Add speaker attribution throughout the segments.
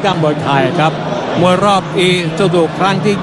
Speaker 1: ก้ามวยไทยครับมวยรอบอีซูซูครั้งที่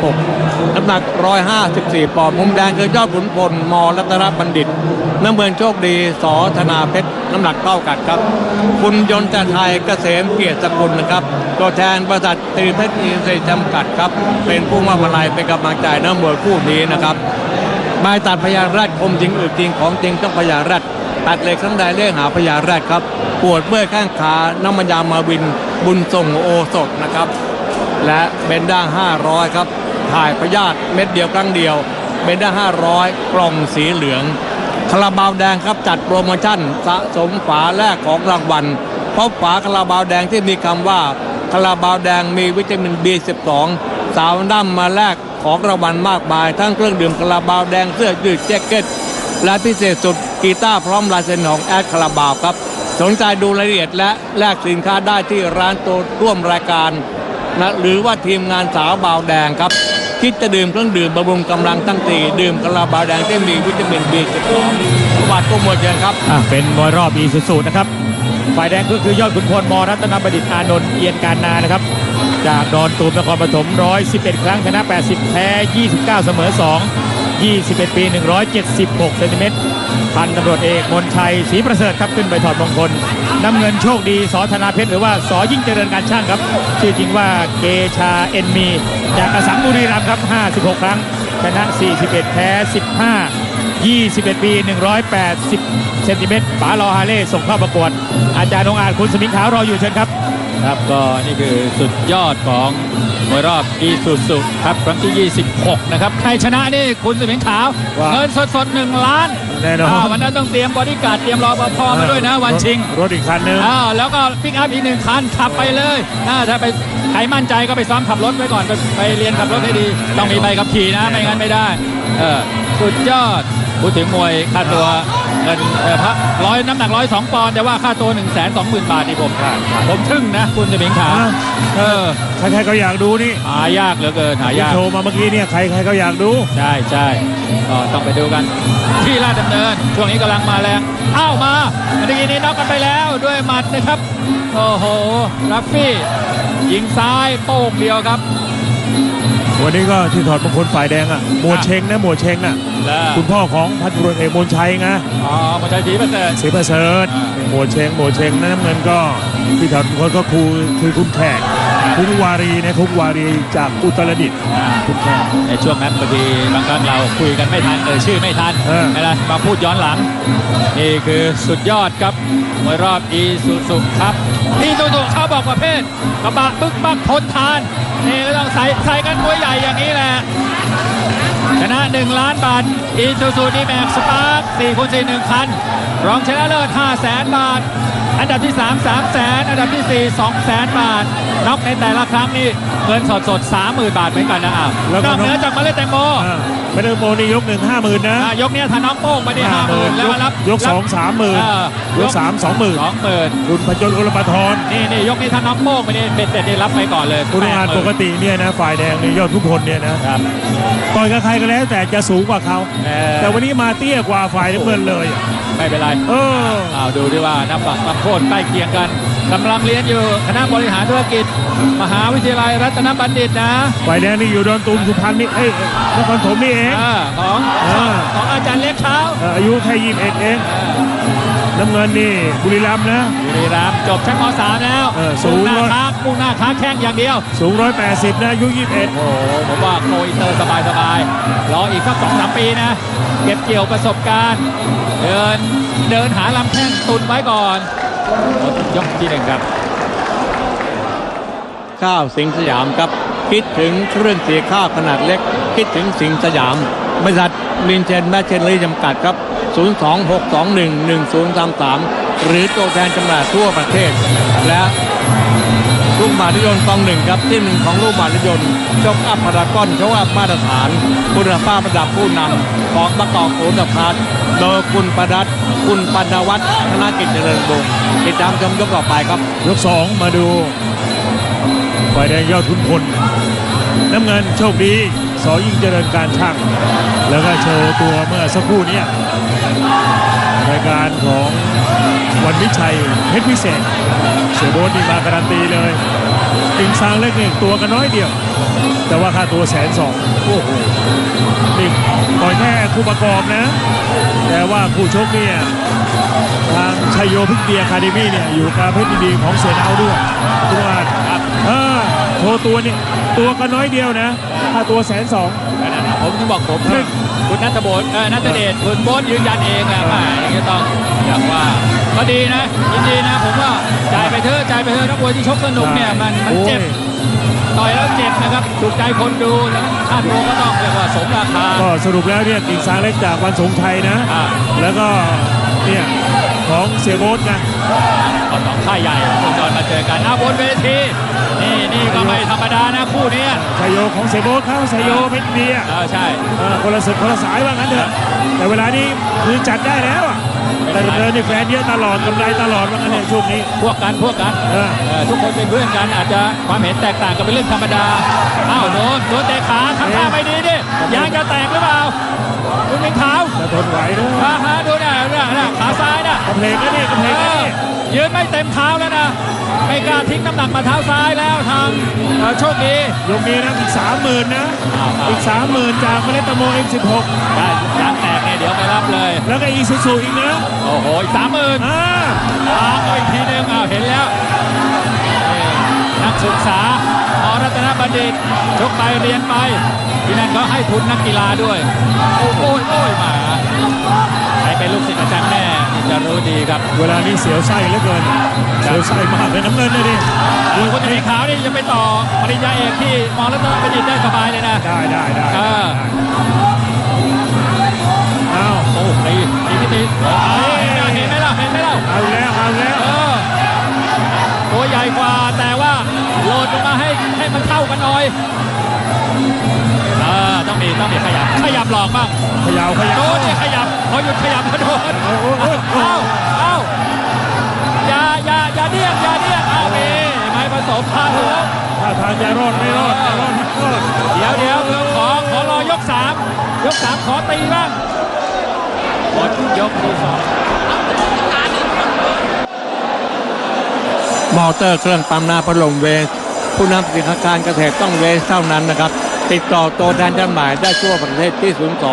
Speaker 1: 26 น้ำหนัก 154 ปอนด์มุมแดงคือยอดขุนพลม.รัตนบัณฑิตน้ำเงินโชคดีส.ธนาเพชรน้ำหนักเท่ากันครับคุณยนต์ไทยเกษมเกียรติสกุลนะครับตัวแทนบริษัทตรีเพชรอินทรีย์จำกัดครับเป็นผู้มอบอะไรเป็นกำลังใจนักมวยคู่นี้นะครับใบตัดพญาแรดคมจริงอึดจริงของจริงต้องพญาแรดตัดเหล็กทั้งใดเรียกหาพญาแรดครับปวดเมื่อยข้างขาน้ำมันยามาวินบุญส่งโอสถนะครับและเบนด้า500ครับถ่ายพยาธิเม็ดเดียวครั้งเดียวเบนด้า500กล่องสีเหลืองคาราบาวแดงครับจัดโปรโมชั่นสะสมฝาแรกของรางวัลเพราะฝาคาราบาวแดงที่มีคำว่าคาราบาวแดงมีวิตามิน B12 สาวน้ำมาแลกของรางวัลมากมายทั้งเครื่องดื่มคาราบาวแดงเสื้อยืดแจ็คเก็ตและพิเศษสุดกีตาร์พร้อมลายเซ็นของแอดคาราบาวครับสนใจดูรายละเอียดและแลกสินค้าได้ที่ร้านตัวร่วมรายการนะหรือว่าทีมงานสาวบาวแดงครับคิดจะดื่มเครื่องดื่มบำรุงกำลังตั้งตีดื่มคาราบาวแดงที่มีวิตามิน B12 วัดก็หมดเลยครับ
Speaker 2: เป็นมวยรอบอีซูซูนะครับฝ่ายแดงก็คือยอดขุนพลม.รัตนบัณฑิตอานนท์เอียนการนานะครับจากดอนตูมนครปฐม111 ครั้งชนะ80แพ้29เสมอ2 21 ปี 176 เซนติเมตรพันตำรวจเอกมนชัยศรีประเสริฐครับขึ้นไปถอดมงคลน้ำเงินโชคดีส.ธนาเพชรหรือว่าส.ยิ่งเจริญการช่างครับชื่อจริงว่าเกชาเอ็นมีจากอสังบุรีรัมย์ครับ56 ครั้งชนะ41แพ้15 21 ปี 180 เซนติเมตรป๋ารอฮาเล่ส่งเข้าประกวดอาจารย์องอาจคุณสมิงขาวรออยู่เชิญครับ
Speaker 3: ครับก็นี่คือสุดยอดของมวยรอบอีซูซูครับครั้งที่ 26 นะครับใครชนะนี่คุณสมิงขาวเงินสด1 ล้าน
Speaker 2: แน่นอน
Speaker 3: วันนั้นต้องเตรียมบอดี้การ์ดเตรียมรอปภมาด้วยนะวันชิง
Speaker 2: รถอีกคันนึง
Speaker 3: แล้วก็ปิกอัพอีก1 คันขับไปเลยถ้าไปใครมั่นใจก็ไปซ้อมขับรถไว้ก่อนไปเรียนขับรถให้ดีต้องมีใบขับขี่นะไม่งั้นไม่ได้สุดยอดพูดถึงมวยค่าตัวเงินน้ำหนัก102 ปอนด์แต่ว่าค่าตัว 120,000 บาทนี่ผมทึ่งนะคุณจะเป็นขา
Speaker 2: ใครๆก็อยากดูนี่
Speaker 3: หายากเหลือเกินหายาก
Speaker 2: โชว์มาเมื่อกี้เนี่ยใครๆก็อยากดู
Speaker 3: ใช่ก็ต้องไปดูกันที่ราชดำเนินช่วงนี้กำลังมาแรงมาเมื่อกี้นี้น็อกกันไปแล้วด้วยหมัดนะครับโอ้โหรัฟฟี่ยิงซ้ายโป้งเดียวครับ
Speaker 2: วันนี้ก็ที่ถอดมงคลฝ่ายแดงหมวดเชงนะหมวดเชงน่ะคุณพ่อของพันตำรวจเอกมนชัยไง
Speaker 3: มนชัยศรีประเส
Speaker 2: ริฐหมวดเชงนะน้ำเงินก็ที่ถอดมงคลก็คือคุณแขกคุกวารีนะคุกวารีจากอุตรดิตถ์
Speaker 3: คุณแขกในช่วงนั้นบางทีบางครั้งเราคุยกันไม่ทันชื่อไม่ทันอะไรมาพูดย้อนหลังนี่คือสุดยอดครับมวยรอบอีซูซูครับอีซูซูเขาบอกประเภทกระบะบึกบักทนทานนี่ก็ต้องใส่กันมวยใหญ่อย่างนี้แหละชนะ1 ล้านบาทอีซูซูดีแม็กสปาร์ค4x4 1 คันรองชนะเลิศ500,000 บาทอันดับที่3 300,000อันดับที่4 200,000 บาทน็อกในแต่ละครั้งนี่เงินสด 30,000 บาทเหมือนกันนะนอกเหนือจากเมล็ดแตงโม
Speaker 2: เมล็ดแตงโมนี่ยก1 50,000นะ
Speaker 3: ยกนี้ถ้าน้องโป้งไปได้ 50,000แล้วรับ
Speaker 2: ยก2 30,000ยก3 20,000คุณพจน์อุลปทร
Speaker 3: นี่ยกนี้ถ้าน้องโป้งไปนี่เบ็ดเสร็จได้รับไปก่อนเลย
Speaker 2: คุณงานปกติเนี่ยนะฝ่ายแดงนี่ยอดทุกคนเนี่ยนะต่อยกับใครก็แล้วแต่จะสูงกว่าเขาแต่วันนี้มาเตี้ยกว่าฝ่ายน้ำเงินเลย
Speaker 3: ไม่เป็นไรดูดิว่านับโทษใกล้เคียงกันกำลังเรียนอยู่คณะบริหารธุรกิจมหาวิทยาลัยรัตนบัณฑิตนะ
Speaker 2: ฝ่ายแดงนี่อยู่ดอนตูมสุพรรณนี่นครปฐมนี่เอง
Speaker 3: ของอาจารย์เล็กเช้า
Speaker 2: อายุแค่21เองน้ำเงินนี่บุรีรัมย์นะ
Speaker 3: บุรีรัมย์จบชั้นม.3 แล้ว
Speaker 2: สูง
Speaker 3: มุ่งหน้าค้าแข้งอย่างเดียว
Speaker 2: สูง180นะอายุ21
Speaker 3: โอ้ผมว่าโกอินเตอร์สบายรออีกสัก 2-3 ปีนะเก็บเกี่ยวประสบการณ์เดินหาลำแข้งตุนไว้ก่อนยกที่ 1ครับ
Speaker 1: ข้าวสิงห์สยามครับคิดถึงเครื่องเสียข้าวขนาดเล็กคิดถึงสิงห์สยามบริษัทลินเชนแมชเชนลีจำกัดครับ026211033หรือตัวแทนจำหน่ายทั่วประเทศและลูกบาศก์รถยนต์กอง1ครับที่1ของลูกบาศก์รถยนต์ช็อคอัพพารากอนช็อคอัพมาตรฐานคุณภาพระดับผู้นำของประกอบโอนพาร์ทโดยคุณประดัษคุณปนวัฒน์ธนกิจเจริญวงศ์ติดตามชมยกต่อไปครับ
Speaker 2: ยก2มาดูฝ่ายแดงยอดขุนพลน้ำเงินโชคดีส.ยิ่งเจริญการช่างแล้วก็โชว์ตัวเมื่อสักครู่นี้รายการของวันวิชัยเพชรพิเศษเสือโบ๊ทนี่มาการันตีเลย
Speaker 4: กิ่งซางเล็กเนี่ยตัวกันน้อยเดียว แต่ว่าค่าตัว120,000โอ้โหนี่ต่อยแค่คู่ประกอบนะ แต่ว่าคู่ชกเนี่ยทางชัยโยพิกเดียคาเดมี่เนี่ยอยู่กับเพชรยินดีของเสือดาวด้วยทุกวัน
Speaker 3: ครับ
Speaker 4: โชว์ตัวเนี่ยตัวกันน้อยเดียวนะค่าตัว120,000
Speaker 3: ผมถึงบอกผมซึ่งคุณนัทโบนนัทเดชคุณโบ๊ทยืนยันเองนะว่าอย่างนี้ต้องอย่างว่าก็ดีนะยินดีนะผมว่าจ่ายไปเถอะจ่ายไปเถอะนักมวยที่ชกสนุกเนี่ยมันเจ็บต่อยแล้วเจ็บนะครับถูกใจคนดูแล้วค่าตัวก็ต้องเรียกว่าสมราคา
Speaker 4: ก็สรุปแล้วเนี่ยกิ่งซางเล็กจากวันสงชัยนะ แล้วก็เนี่ยของเสียโบ๊ทนะ
Speaker 3: เอาสองค่ายใหญ่คุณจอนมาเจอกันบนเวทีนี่ก็ไม่ธรรมดานะคู่นี้
Speaker 4: ชัยโยของเสียโบ๊ทเขาชัยโยเพชรเดีย
Speaker 3: ใช่
Speaker 4: คนละศึกคนละสายว่างั้นเถอะแต่เวลานี้คือจัดได้แล้วอะแต่เดินนี่แฟนเยอะตลอดกำไรตลอดว่างั้นเนี่ยช่วงนี้
Speaker 3: พวกกันทุกคนเป็นเพื่อนกันอาจจะความเห็นแตกต่างกันเป็นเรื่องธรรมดาโดนเตะขาทำท่าไม่ดีดิยางจะแตกหรือเปล่าคุณเป็นขาว
Speaker 4: จะทนไหวนะ
Speaker 3: ดูนะขาซ้ายนะ
Speaker 4: กำเพลงนะเนี่ยกำเพลงนะเนี่ย
Speaker 3: ยืนไม่เต็มเท้าแล้วนะไม่กล้าทิ้งน้ำหนักมาเท้าซ้ายแล้วทางโชคดี
Speaker 4: ยกนี้นะอีก30,000นะอีก30,000จากเมล็ดตะโม M16
Speaker 3: ได้ยางแตกเนี่ยเดี๋ยวไปรับเลย
Speaker 4: แล้วก็อีซูซูอีกนะ
Speaker 3: โอ้โหอีก30,000เอาอีกทีนึงเห็นแล้วนักศึกษามรัตนบัณฑิตชกไปเรียนไปที่นั่นเขาให้ทุนนักกีฬาด้วยโอ้ยมาใครเป็นลูกศิษย์อาจารย์แม่จะรู้ดีครับ
Speaker 4: เวลานี้เสียวไส้เหลือเกินเสียวไส้มากเลยน้ำเงินเลยดิ
Speaker 3: คนจะมีขาวนี่จะไปต่อปริญญาเอกที่มรัตนบัณฑิตได้สบายเลยนะ
Speaker 4: ได้
Speaker 3: เอาโอ้ตีพิธีเห็นไหมล่ะ
Speaker 4: เอาแล้ว
Speaker 3: ตัวใหญ่กว่าแต่ว่าโหลดลงมาให้มันเท่ากันหน่อยต้องมีขยับหลอกบ้างโดนเนี่ยขยับพอหยุดขยับก็โดนเอาอย่าเดี้ยงไม่ผสมพาหัว
Speaker 4: ถ้าทางจะรอดไม่รอด
Speaker 3: เดี๋ยวขอรอยก3ขอตีบ้างหมดยกที่2
Speaker 1: มอเตอร์เครื่องปั๊มน้ำพัดลมเวสผู้นำสินค้าการเกษตรต้องเวสเท่านั้นนะครับติดต่อตัวแทนจำหน่ายได้ทั่วประเทศที่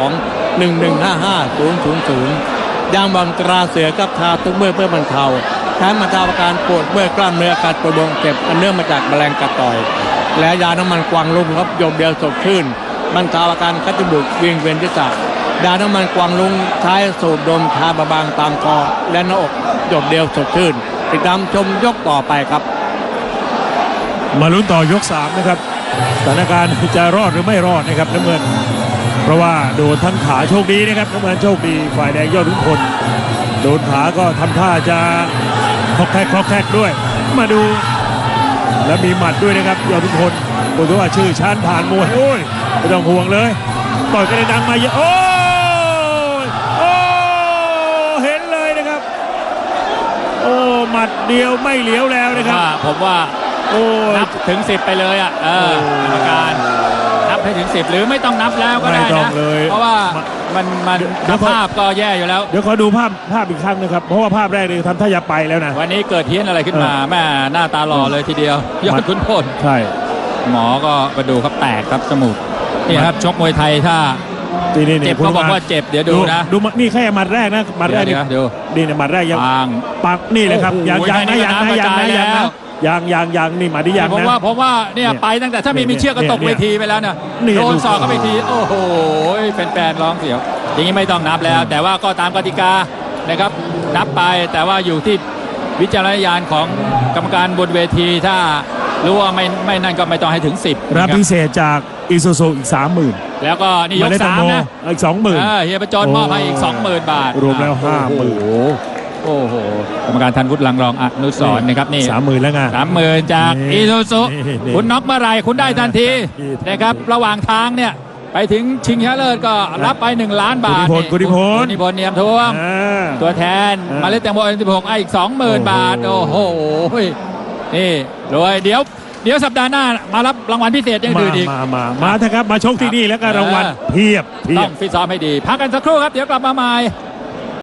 Speaker 1: 02-1155-000 ยางบอลตราเสือกับทาทุกเมื่อเพื่อบรรเทาใช้บรรเทาอาการปวดเมื่อยกล้ามเนื้ออาการปวดบวมเจ็บอันเนื่องมาจากแมลงกัดต่อยและยาน้ำมันกวางลุงครับโยมเดียวสดชื่นบรรเทาอาการคัดจมูกวิงเวียนศีรษะยาน้ำมันกวางลุงใช้สูดดมทาบางตามคอและหน้าอกโยมเดียวสดชื่นติดตามชมยกต่อไปครับ
Speaker 4: มาลุ้นต่อยก3นะครับสถานการณ์จะรอดหรือไม่รอดนะครับน้ำเงินเพราะว่าโดนทั้งขาโชคดีนะครับน้ำเงินโชคดีฝ่ายแดงยอดขุนพลโดนขาก็ทำท่าจะคอกแทกด้วยมาดูแล้วมีหมัดด้วยนะครับยอดขุนพลบอกว่าชื่อชานผ่านมวยโอ้ยไม่ต้องห่วงเลยต่อยกันดังมาเยอะโอ้เห็นเลยนะครับโอ้หมัดเดียวไม่เหลียวแล้วนะครับ
Speaker 3: ผมว่านับถึง10ไปเลยกรรมการนับให้ถึง10หรือไม่ต้องนับแล้วก็ได้นะเพราะว่ามันภาพก็แย่อยู่แล้ว
Speaker 4: เดี๋ยวขอดูภาพอีกครั้งนะครับเพราะว่าภาพแรกเลยทำท่าจะไปแล้วนะ
Speaker 3: วันนี้เกิดเฮี้ยนอะไรขึ้นมาแม่หน้าตาหล่อเลยทีเดียวยอดขุนพล
Speaker 4: ใช่
Speaker 3: หมอก็กระดูกครับแตกครับจมูกนี่ครับชกมวยไทยถ้าเจ็บก็บอกว่าเจ็บเดี๋ยวดูนะ
Speaker 4: ดูนี่แค่หมัดแรกนะหมัดแรกนี่เนี่ยหมัดแรกยังปักนี่เลยครับยังนี่มาดิยังนะ
Speaker 3: ผมว่าเนี่ยไปตั้งแต่ถ้ามีเชือกก็ตกเวทีไปแล้วเนี่ยโดนศอกเข้าไปทีโอ้โหแฟนร้องเสียวอย่างนี้ไม่ต้องนับแล้วแต่ว่าก็ตามกติกานะครับนับไปแต่ว่าอยู่ที่วิจารณญาณของกรรมการบนเวทีถ้ารู้ว่าไม่นั่นก็ไม่ต้องให้ถึง10
Speaker 4: รับพิเศษจากอีซูซูอีก 30,000
Speaker 3: แล้วก็นี่ยก3นะ
Speaker 4: อีก 20,000
Speaker 3: เฮียประจรมอบให้อีก 20,000 บาท
Speaker 4: รวมแล้ว 50,000
Speaker 3: โอ้โหกรรมการทันวุฒิลังรองอนุสรณ์นะครับนี่
Speaker 4: 30,000แล้วไง
Speaker 3: 30,000จากอีซูซูคุณน็อกเมื่อไรคุณได้ทันทีนะครับระหว่างทางเนี่ยไปถึงชิงชนะเลิศก็รับไป1 ล้านบาท
Speaker 4: กุณิพล
Speaker 3: เนียมท่วมตัวแทนมาเล่นแตงโม16อีก 20,000 บาทโอ้โหนี่รวยเดี๋ยวสัปดาห์หน้ามารับรางวัลพิเศษยังดื่มอีก
Speaker 4: มาเถอะครับมาชกที่นี่แล้วก็รางวัลเพียบ
Speaker 3: ต้องฟิตซ้อมให้ดีพักกันสักครู่ครับเดี๋ยวกลับมาใหม่